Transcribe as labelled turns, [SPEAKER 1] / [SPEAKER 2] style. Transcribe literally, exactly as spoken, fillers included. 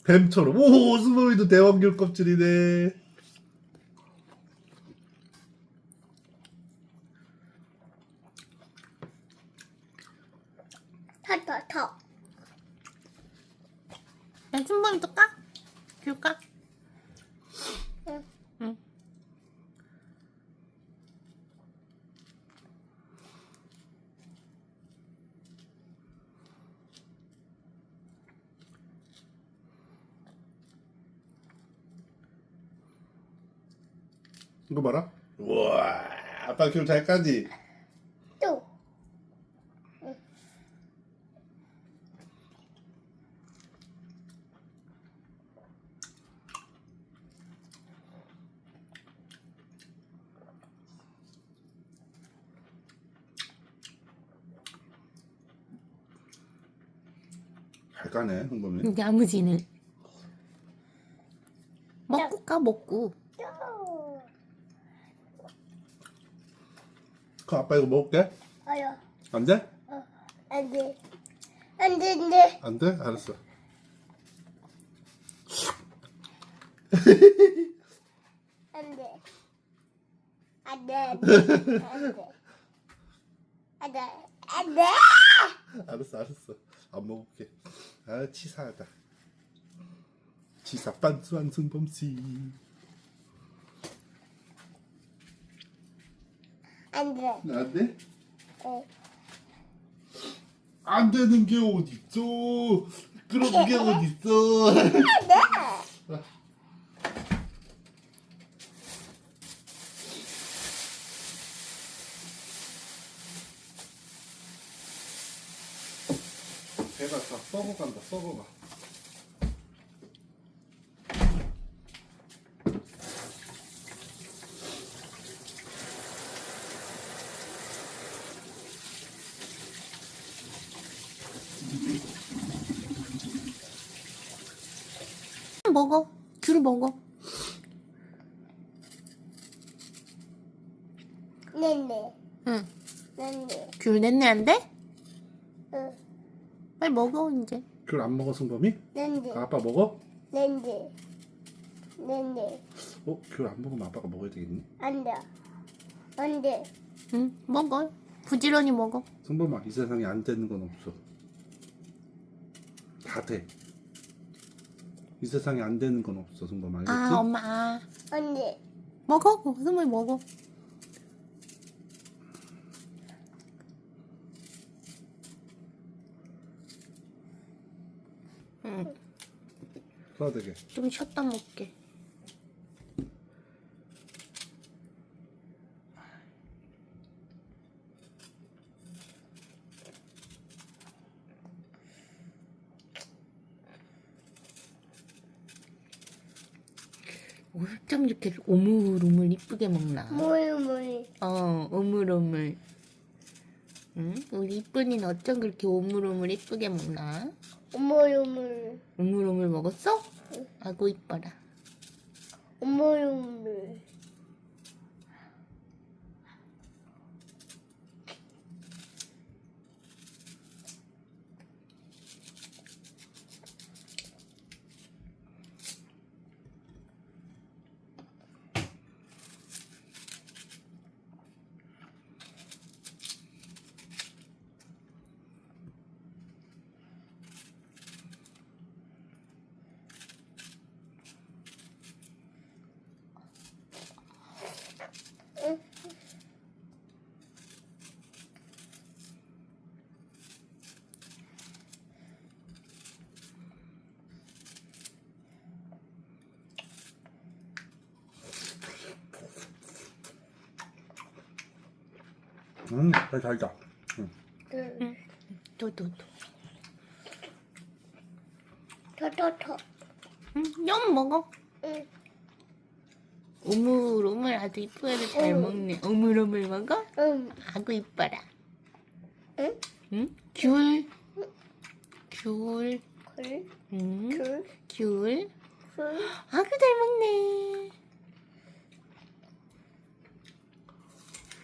[SPEAKER 1] 뱀처럼. 오, 수범이도 대왕귤 껍질이네.
[SPEAKER 2] 더, 더, 더.
[SPEAKER 3] 야, 순범이 또 까? 귤 까?
[SPEAKER 2] 응.
[SPEAKER 3] 응.
[SPEAKER 1] 이거 봐라. 우와, 아빠 귤 잘 까지?
[SPEAKER 2] 또.
[SPEAKER 1] 잘 까네, 흥범이.
[SPEAKER 3] 야무지는. 먹고 까, 먹고.
[SPEAKER 2] 또.
[SPEAKER 1] 그 아빠 이거 먹을게.
[SPEAKER 2] 어여.
[SPEAKER 1] 안 돼?
[SPEAKER 2] 어. 안 돼. 안 돼, 안 돼.
[SPEAKER 1] 안 돼? 알았어.
[SPEAKER 2] 안 돼. 안 돼, 안 돼. 안 돼. 안 돼. 안 돼.
[SPEAKER 1] 알았어, 알았어. 안 먹을게. 아, 치사하다. 치사 빤스한 승범씨.
[SPEAKER 2] 안 돼.
[SPEAKER 1] 안 돼?
[SPEAKER 2] 어.
[SPEAKER 1] 안 되는 게 어딨어? 그런 게 어딨어?
[SPEAKER 2] 안 돼.
[SPEAKER 1] 배가 다 썩어간다, 썩어가.
[SPEAKER 3] 먹어. 귤 먹어.
[SPEAKER 2] 네네.
[SPEAKER 3] 응.
[SPEAKER 2] 네네.
[SPEAKER 3] 귤 냈네 안 돼?
[SPEAKER 2] 응.
[SPEAKER 3] 빨리 먹어, 이제.
[SPEAKER 1] 귤 안 먹어, 승범이?
[SPEAKER 2] 네네.
[SPEAKER 1] 아, 아빠 먹어?
[SPEAKER 2] 네네. 네네.
[SPEAKER 1] 어? 귤 안 먹으면 아빠가 먹어야 되겠니?
[SPEAKER 2] 안 돼. 안 돼.
[SPEAKER 3] 응, 먹어. 부지런히 먹어.
[SPEAKER 1] 승범아, 이 세상에 안 되는 건 없어. 다 돼. 이 세상에 안 되는 건 없어, 승범아. 알겠지?
[SPEAKER 3] 아, 엄마. 아.
[SPEAKER 2] 안 돼.
[SPEAKER 3] 먹어. 승범이 먹어. 응.
[SPEAKER 1] 써야 되게.
[SPEAKER 3] 좀 쉬었다 먹게. 어쩜 이렇게 오물오물 이쁘게 먹나?
[SPEAKER 2] 뭘, 뭘.
[SPEAKER 3] 어, 오물오물. 응? 우리 이쁜이는 어쩜 그렇게 오물오물 이쁘게 먹나?
[SPEAKER 2] 오물, 오물.
[SPEAKER 3] 오물오물 먹었어? 아고 이뻐라.
[SPEAKER 2] 오물, 오물.
[SPEAKER 1] 음, 잘 달다. 응.
[SPEAKER 2] 응.
[SPEAKER 3] 또, 또, 또.
[SPEAKER 2] 더, 더, 더.
[SPEAKER 3] 응, 영 먹어.
[SPEAKER 2] 응.
[SPEAKER 3] 오물오물 아주 이쁘게 잘
[SPEAKER 2] 응.
[SPEAKER 3] 먹네. 오물오물 먹어?
[SPEAKER 2] 응.
[SPEAKER 3] 아고 이뻐라.
[SPEAKER 2] 응?
[SPEAKER 3] 응? 귤. 귤.
[SPEAKER 2] 굴,
[SPEAKER 3] 응?
[SPEAKER 2] 굴,
[SPEAKER 3] 귤.
[SPEAKER 2] 굴.
[SPEAKER 3] 아고 잘 먹네.